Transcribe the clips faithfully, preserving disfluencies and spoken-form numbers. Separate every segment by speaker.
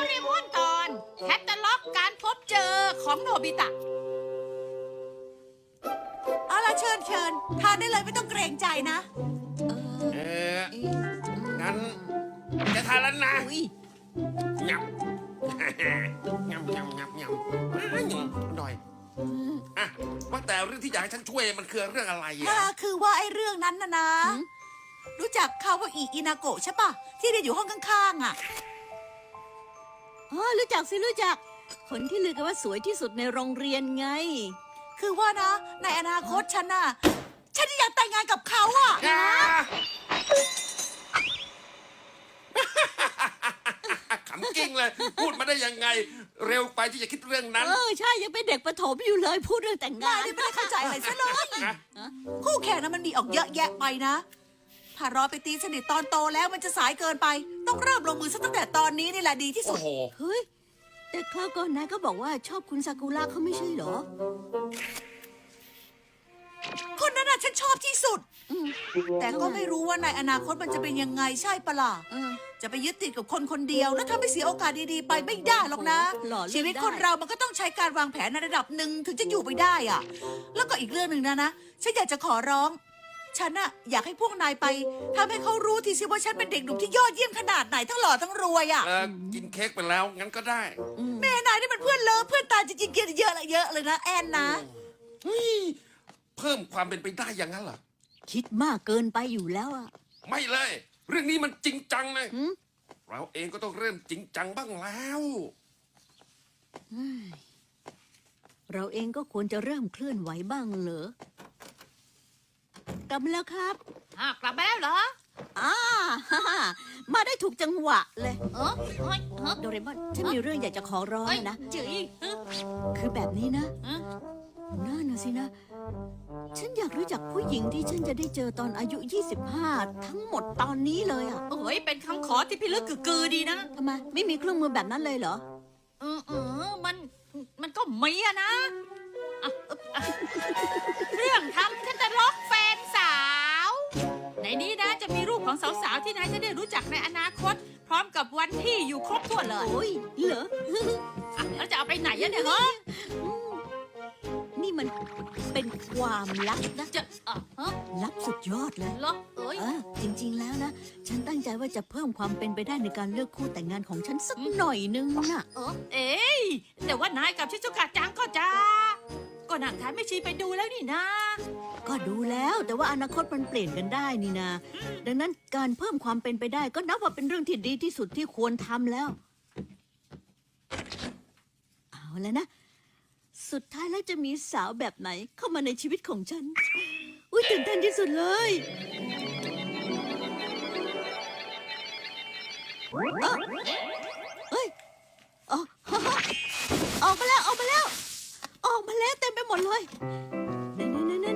Speaker 1: ริมอนตอนแคตตาล็อกการพบเจอของโนบิตะ
Speaker 2: เอาล่ะเชิญเชิญทานได้เลยไม่ต้องเกรงใจนะ
Speaker 3: เอองั้นจะทานแล้วนะ
Speaker 2: อุ้ย
Speaker 3: ยำ ยำยำยำยำหน่อยอ่ะว่าแต่เรื่องที่อยากให้ฉันช่วยมันคือเรื่องอะไร
Speaker 2: อ่า
Speaker 3: อ่ะ
Speaker 2: คือว่าไอ้เรื่องนั้นนะนะ รู้จักคาวาอิอินาโกะใช่ปะที่เรียนอยู่ห้องข้างๆอ่ะ
Speaker 4: อ๋อรู้จักสิรู้จัก คนที่ลือกันว่าสวยที่สุดในโรงเรียนไง
Speaker 2: คือว่านะในอนาคตฉันน่ะฉันอยากแต่งงานกับเขาอ่ะ
Speaker 3: อ่าขำกิ้งเลย พูดมาได้ยังไง เร็วไปที่จะคิดเรื่องนั้น
Speaker 4: เออใช่ยังเป็นเด็กประถมอยู่เลยพูดเรื่องแต่งงาน
Speaker 2: นายนี่ไม่ได้เข้าใจอะไรซะเลย
Speaker 3: นะ
Speaker 2: คู่แข่งนะมันมีออกเยอะแยะไปนะ ถ้ารอไปตีสนิทตอนโตแล้วมันจะสายเกินไป ต้องเริ่มลงมือซะตั้งแต่ตอนนี้นี่แหละดีที่สุ
Speaker 3: โอ้
Speaker 2: ด
Speaker 3: โห
Speaker 4: เฮ้ยแต่คราวก่อนนายก็บอกว่าชอบคุณซากุระเขาไม่ใช่เหรอ
Speaker 2: คนนั้นน่ะฉันชอบที่สุด
Speaker 4: อืม
Speaker 2: แต่ก็ไม่รู้ว่าในอนาคตมันจะเป็นยังไงใช่ปะล่ะ
Speaker 4: เออ
Speaker 2: จะไปยึดติดกับคนคนเดียวแล้วทำให้เสียโอกาสดีๆไปไม่ได้หรอกนะ
Speaker 4: หล่อเลือก
Speaker 2: ชีวิต
Speaker 4: ได้
Speaker 2: คนเรามันก็ต้องใช้การวางแผนในระดับหนึ่งถึงจะอยู่ไปได้อะแล้วก็อีกเรื่องหนึ่งนะนะ ฉันอยากจะขอร้อง ฉันอะอยากให้พวกนายไปทำให้เขารู้ทีสิว่าฉันเป็นเด็กหนุ่มที่ยอดเยี่ยมขนาดไหนทั้งหล่อทั้งรวยอะ
Speaker 3: เออกินเค้กไปแล้ว งั้นก็ได้
Speaker 2: แม่นายนี่มันเพื่อนเลิฟเพื่อนตายจริงๆเกียรติเยอะเลยเยอะเลยนะแอนนะ
Speaker 3: เฮ้ย เพิ่มความเป็นไปได้อย่างนั้นเหรอ
Speaker 4: คิดมากเกินไปอยู่แล้วอะ
Speaker 3: ไม่เลย เรื่องนี้มันจริงจังเลย
Speaker 4: หืม
Speaker 3: เราเองก็ต้องเริ่มจริงจังบ้างแล้ว
Speaker 4: เราเองก็ควรจะเริ่มเคลื่อนไหวบ้างเหรอกลับมาแล้วครับ
Speaker 1: อ่ะกลับมาแล้วเหรอ
Speaker 4: อ่า ฮ่าฮ่ามาได้ถูกจังหวะเลย
Speaker 1: เออเฮ้ยเฮ้ย
Speaker 4: โดเรมอนฉันมีเรื่องอยากจะขอร้อง
Speaker 1: เฮ้ย
Speaker 4: นะ
Speaker 1: จืยเฮ้ย
Speaker 4: คือแบบนี้นะ
Speaker 1: เฮ้ย
Speaker 4: น่าน่ะสินะ ฉันอยากรู้จักผู้หญิงที่ฉันจะได้เจอตอนอายุ ยี่สิบห้า ทั้งหมดตอนนี้เลยอ่ะ
Speaker 1: โอ้ยเป็นคำขอที่พิลึกกึกกือดีนะ
Speaker 4: ทำไม ไม่มีเครื่องมือแบบนั้นเลยเหรอ
Speaker 1: เออเออมันมันก็มีอะนะอ่ะอ่ะเรื่องทำแคตตาล็อกแฟนสาว ในนี้นะจะมีรูปของสาวๆที่นายจะได้รู้จักในอนาคต พร้อมกับวันที่อยู่ครบถ้วนเลย
Speaker 4: โอ้ย เหรอ
Speaker 1: อ่ะแล้วจะเอาไปไหนอะเนี่ยเหรอ
Speaker 4: นี่มันเป็นความลับนะ
Speaker 1: จะอ่ะฮะ
Speaker 4: ลับสุดยอดเลย
Speaker 1: เหรอเอ้ย
Speaker 4: เออจริงๆแล้วนะ ฉันตั้งใจว่าจะเพิ่มความเป็นไปได้ในการเลือกคู่แต่งงานของฉันสักหน่อยนึงน่ะ
Speaker 1: เออเอ้ยแต่ว่านายกับชิซุกะจังก็จะก็นั่งทานไม่ชีไปดูแล้วนี่นะ
Speaker 4: ก็ดูแล้วแต่ว่าอนาคตมันเปลี่ยนกันได้นี่นะ ดังนั้นการเพิ่มความเป็นไปได้ก็นับว่าเป็นเรื่องที่ดีที่สุดที่ควรทำแล้ว เอาแล้วนะ สุดท้ายแล้วจะมีสาวแบบไหนเข้ามาในชีวิตของฉัน อุ้ยตื่นเต้นที่สุดเลยเอ้าเอ้ยอ๋อออกมาแล้วออกมาแล้ว ออกมาแล้วเต็มไปหมดเลยไหนไหนไหนไหนไหน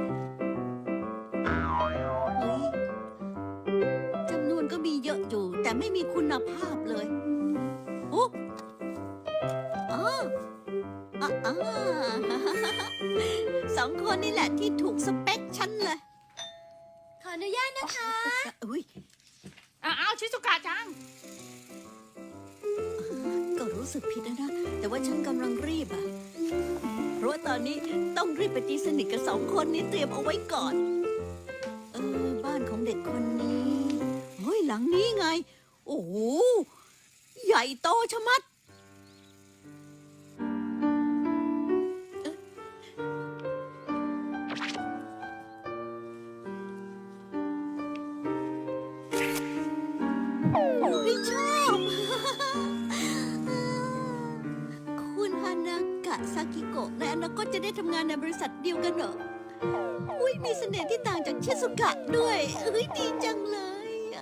Speaker 4: เฮ้ยจำนวนก็มีเยอะอยู่ แต่ไม่มีคุณภาพเลยโอ้อ๋ออ่ะอ่าสองคนนี่แหละที่ถูกสเปคฉันเลย
Speaker 5: ขออนุญาตนะคะ
Speaker 4: อุ้ย
Speaker 1: อ่ะเอาชิซุกะจัง
Speaker 4: ก็รู้สึกผิดนะนะ แต่ว่าฉันกำลังรีบอะเพราะว่าตอนนี้ต้องรีบไปตีสนิทกับสองคนนี้เตรียมเอาไว้ก่อน เออ บ้านของเด็กคนนี้เฮ้ยหลังนี้ไง โอ้โห ใหญ่โตชะมัด ไม่ชอบ คุณฮานากะซากิโกะในอนาคตจะได้ทำงานในบริษัทเดียวกันเหรอ อุ้ยมีเสน่ห์ที่ต่างจากชิซุกะด้วยเอ้ยดีจังเลยอะ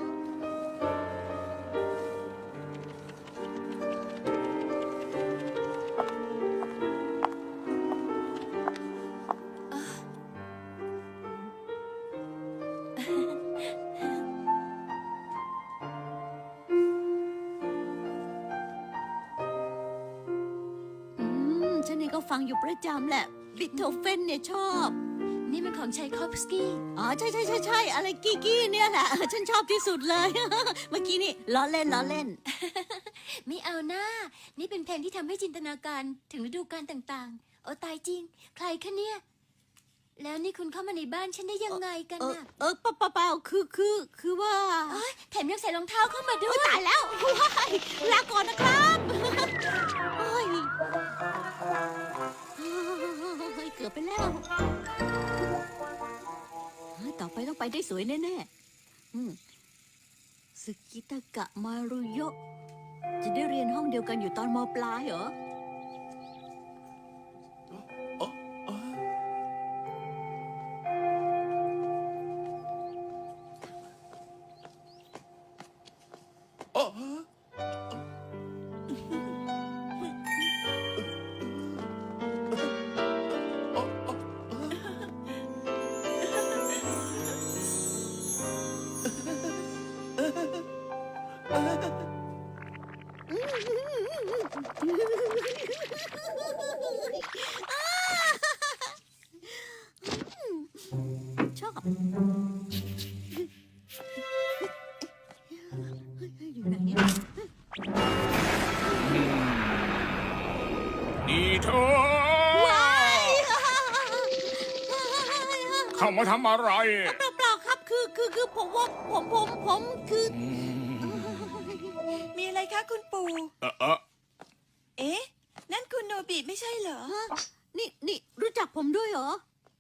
Speaker 4: อืม ฉันเองก็ฟังอยู่ประจำแหละ บิทโธเฟนเนี่ยชอบ
Speaker 5: นี่มันของชัยคอฟสกี้
Speaker 4: อ๋อ ใช่ใช่ใช่ใช่อะไรกี้กี้เนี่ยแหละ ฉันชอบที่สุดเลย เมื่อกี้นี่ล้อเล่นล้อเล่น
Speaker 5: ไม่เอาหน้า นี่เป็นเพลงที่ทำให้จินตนาการถึงฤดูกาลต่างๆ โอ้ตายจริง ใครคะเนี่ย แล้วนี่คุณเข้ามาในบ้านฉันได้ยังไงกัน
Speaker 4: เออ
Speaker 5: น่ะ
Speaker 4: เออเปล่าเปล่าเปล่าคือคือคือว่า
Speaker 5: เอ้ยแถมยังใส่รองเท้าเข้ามาด้ว
Speaker 4: โอ๊ย
Speaker 5: ย
Speaker 4: ตายแล้วว้ายลาก่อนนะครับโอ้ยเฮ้ยเกือบไปแล้วเฮ้ยต่อไปต้องไปได้สวยแน่ๆอืมสึกิตากะมารุโยะจะได้เรียนห้องเดียวกันอยู่ตอนมปลายเหรอ
Speaker 3: อ๋ออ๋ออ๋อ
Speaker 4: ชอบอยู่ไหนเนี่ย
Speaker 6: นี่เธอ เข้ามาทำอะไร
Speaker 4: เปล่าเปล่าครับคือคือคือผมว่าผมผมผมคือ
Speaker 2: มีอะไรคะคุณปู่
Speaker 6: เออเออ
Speaker 2: เอ๊ะ นั่นคุณโนบิไม่ใช่เหรอ
Speaker 4: ฮะนี่นี่รู้จักผมด้วยเหรอ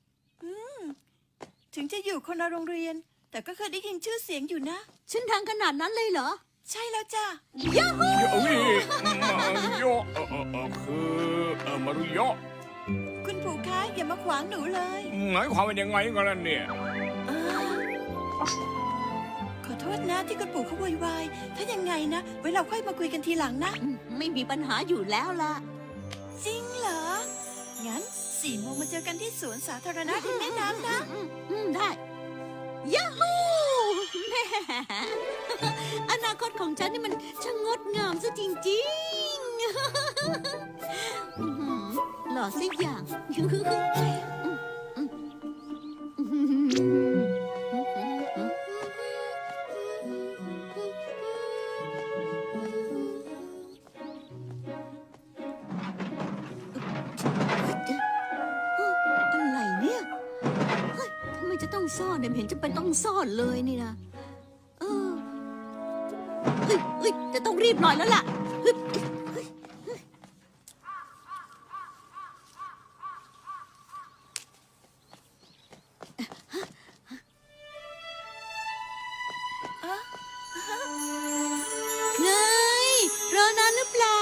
Speaker 2: ถึงจะอยู่คนละโรงเรียน แต่ก็เคยได้ยินชื่อเสียงอยู่นะ
Speaker 4: ฉันทางขนาดนั้นเลยเหรอ
Speaker 2: ใช่แล้วจ้ะ
Speaker 4: ยาฮู
Speaker 6: เดี๋ยวนี่มารุโยะเออเออเออคือเออมารุโยะ
Speaker 2: คุณปู่คะอย่ามาขวางหนูเลย
Speaker 6: หมายความว่ายังไงกันล่ะเนี่ย
Speaker 2: เออขอโทษนะที่คุณปู่เขาโวยวายถ้ายังไงนะ ไว้เราค่อยมาคุยกันทีหลังนะ
Speaker 4: อืมไม่มีปัญหาอยู่แล้วล่ะ
Speaker 2: จริงเหรอ งั้นสี่โมงมาเจอกันที่สวนสาธารณะริมแม่น้ำนะ
Speaker 4: อืมอืมได้ยาฮูแหม่อนาคตของฉันนี่มันช่างงดงามซะจริงๆอื้อหือหล่อสักอย่างอะไรเนี่ยเฮ้ยทำไมจะต้องซ่อนเนี่ยไม่เห็นจะเป็นต้องซ่อนเลยนี่นะเออเฮ้ยเฮ้ยจะต้องรีบหน่อยแล้วล่ะเฮ้ยเฮ้ยเฮ้ย ไงรอนานหรือเปล่า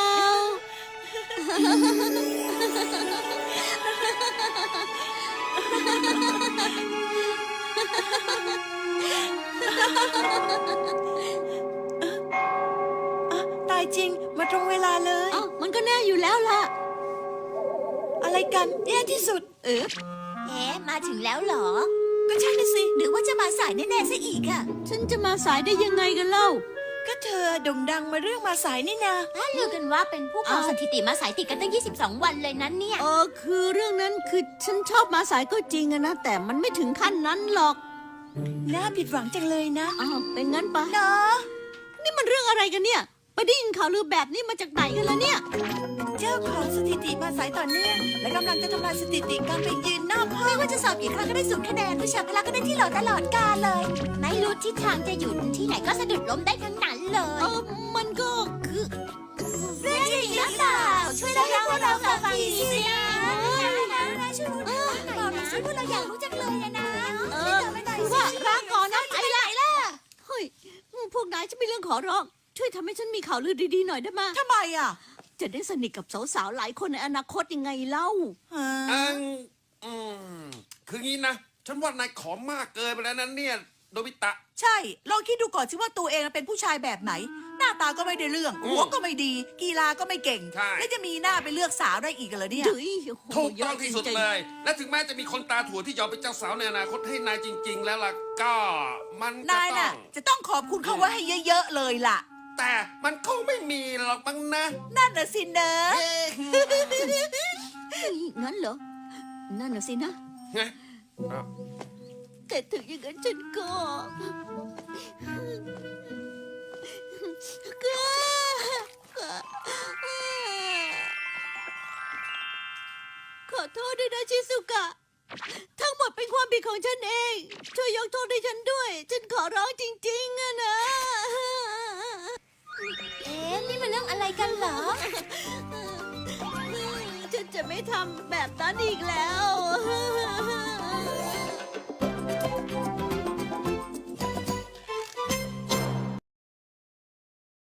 Speaker 2: อ่ะ ตายจริง มาตรงเวลาเลย
Speaker 4: เอ้ามันก็แน่อยู่แล้วล่ะ
Speaker 2: อะไรกันแย่ที่สุด
Speaker 4: เออ
Speaker 5: เอ๊ะมาถึงแล้วเหรอ
Speaker 2: ก็ใช่นะสิ
Speaker 4: หรือว่าจะมาสายแน่ๆซะอีกอะฉันจะมาสายได้ยังไงกันเล่า
Speaker 2: ก็เธอโด่งดังมาเรื่องมาสายนี่นา
Speaker 5: ถ้าลือกันว่าเป็นผู้ครอง
Speaker 4: อ้าว
Speaker 5: สถิติมาสายติดกันตั้ง ยี่สิบสอง วันเลยนั้นเนี่ย
Speaker 4: เออคือเรื่องนั้นคือฉันชอบมาสายก็จริงอะนะ แต่มันไม่ถึงขั้นนั้นหรอก
Speaker 2: น่าผิดหวังจังเลยนะ
Speaker 4: อ้าวเป็นงั้นปะ
Speaker 2: เนาะ
Speaker 4: นี่มันเรื่องอะไรกันเนี่ย ไปได้ยินข่าวลือแบบนี้มาจากไหนกันล่ะเนี่ย
Speaker 2: เจ้าของสถิติมาสายต่อเนื่องและกำลังจะทำลายสถิติการไปยืนนอกห้องไม่ว่าจะสอบกี่ครั้งก็ได้ศูนย์คะแนนวิชาพละก็ได้ที่โหลตลอดกาลเลย
Speaker 5: ไม่รู้ทิศทางจะอยู่ที่ไหนก็สะดุดล้มได้ทั้งนั้นเล
Speaker 4: เอย อมันก็คือ
Speaker 5: เรื่องจริงหรือเปล่าช่วยเล่าให้พวกเราฟังทีสิ
Speaker 2: ช่วยพูดหน่อยบอกหน่อยสิพวกเราอยากรู้จังเลยนะนะ
Speaker 4: เออคือว่าร้างก่อนนะไปละเฮ้ยพวกนายจะมีเรื่องขอร้อง ช่วยทำให้ฉันมีข่าวลือดีๆหน่อยได้ไหม
Speaker 2: ทำไมอ่ะ
Speaker 4: จะได้สนิทกับสาวๆหลายคนในอนาคตยังไงเล่า
Speaker 3: อังอืมคืองี้นะ ฉันว่านายขอมากเกินไปแล้วนั้นเนี่ยโดบิตะ
Speaker 2: ใช่ ลองคิดดูก่อนสิว่าตัวเองเป็นผู้ชายแบบไหน หน้าตาก็ไม่ได้เรื่อง
Speaker 3: อืม
Speaker 2: หัวก็ไม่ดี กีฬาก็ไม่เก่ง
Speaker 3: ใช่
Speaker 2: แล้วจะมีหน้าไปเลือกสาวได้อีกเหรอเนี่ย
Speaker 4: เฮ้ยโโห
Speaker 3: ถูกต้อง
Speaker 4: เยะ
Speaker 3: ที่สุด
Speaker 4: จริงๆ
Speaker 3: เลย และถึงแม้จะมีคนตาถั่วที่ยอมเป็นเจ้าสาวในอนาคตให้นายจริง ๆ แล้วล่ะก็มันจะ
Speaker 2: นาย
Speaker 3: ต้อ
Speaker 2: น่ะ
Speaker 3: ง
Speaker 2: จะต้องขอบคุณเขาไว้ให้เยอะๆเลยล่ะ
Speaker 3: แต่มันคงไม่มีหรอกมั้งนะ
Speaker 2: นั่นน่ะสิเนอะ
Speaker 3: เอ๊ะ
Speaker 4: เฮ้ยงั้นเหรอ นั่นน่ะสินะ
Speaker 3: ไงอ้าว
Speaker 4: แต่ถึงอย่างนั้นฉันก็ก็ขอโทษด้วยนะชิสุกะ ทั้งหมดเป็นความผิดของฉันเอง ช่วยยกโทษให้ฉันด้วย ฉันขอร้องจริงๆอะนะ
Speaker 5: เอ๊ะ นี่มันเรื่องอะไรกันเหรอ
Speaker 4: ฉันจะไม่ทำแบบนั้นอีกแล้ว